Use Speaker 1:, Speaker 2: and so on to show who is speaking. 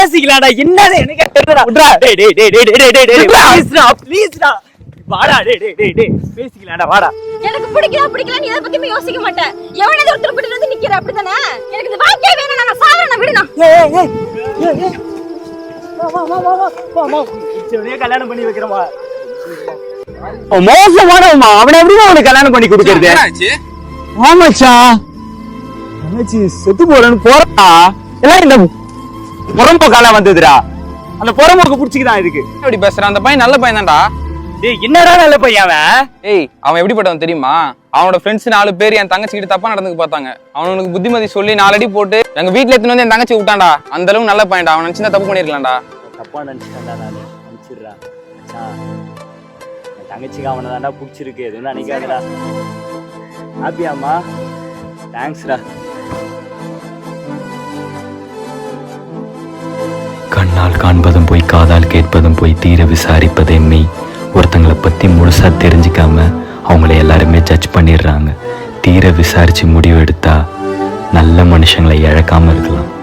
Speaker 1: பேசிக்கலாம்டா. என்னது எனக்கு தெரியலடா. விட்றா. டேய் டேய் டேய் டேய் டேய் டேய் டேய் ப்ளீஸ்டா ப்ளீஸ்டா. வாடா டேய் டேய் டேய் டேய் பேசிக்கலாம்டா வாடா.
Speaker 2: எனக்கு பிடிக்கல நீ எதை பத்தியுமே யோசிக்க மாட்டேன். எவனே ஒருத்தர் பிடிச்சு வந்து நிக்கிற அப்படிதானே? எனக்கு இந்த வாழ்க்கையே வேணாம். நான் சாவறேன் விடுனா.
Speaker 1: ஏய் ஏய் ஏய் வா இச்சவனே கல்யாணம் பண்ணி வைக்கிறமா. மோசமானவமா. அவனை எப்படிமா அவனுக்கு கல்யாணம் பண்ணி கொடுக்கறது? ஆமாச்சா அண்ணாச்சி செத்து போறேன்னு போறா. எல்லாம் இந்த புறம்போக்கால வந்ததுடா. அந்த புறம்போக்கு புடிச்சுக்கிதான் இதுக்கு.
Speaker 3: எப்படி பேசுறான்? அந்த பையன் நல்ல பையன் தான்டா.
Speaker 1: டேய் என்னடா நல்ல பையன் அவன்?
Speaker 3: ஏய் அவன் எப்படிப்பட்டவன் தெரியுமா? அவனோட ஃப்ரெண்ட்ஸ் 4 பேர் என் தங்கச்சி கிட்ட தப்பா நடந்துக்கு பார்த்தாங்க. அவனுக்கு புத்திமதி சொல்லி 4 அடி போட்டு எங்க வீட்டுல எடுத்துன்னு வந்து என் தங்கச்சி விட்டான்டா. அந்த அளவுக்கு நல்ல பையன்டா. அவன் நினைச்சிருந்தா தப்பு பண்ணிருக்கலாம்டா.
Speaker 1: தப்பா நினைச்சிட்டேன்டா நானு. நினைச்சிடுறா மச்சான். என் தங்கச்சிக்கு அவனை தான்டா பிடிச்சிருக்கு. எதுவும் நினைக்காதடா. ஹாப்பியாம்மா? தேங்க்ஸ்டா.
Speaker 4: கண்ணால் காண்பதும் போய் காதால் கேட்பதும் போய் தீர விசாரிப்பதே மெய். ஒருத்தங்களை பற்றி முழுசாக தெரிஞ்சிக்காம அவங்கள எல்லாருமே ஜட்ஜ் பண்ணிடுறாங்க. தீர விசாரித்து முடிவு எடுத்தா நல்ல மனுஷங்களை இழக்காமல் இருக்கலாம்.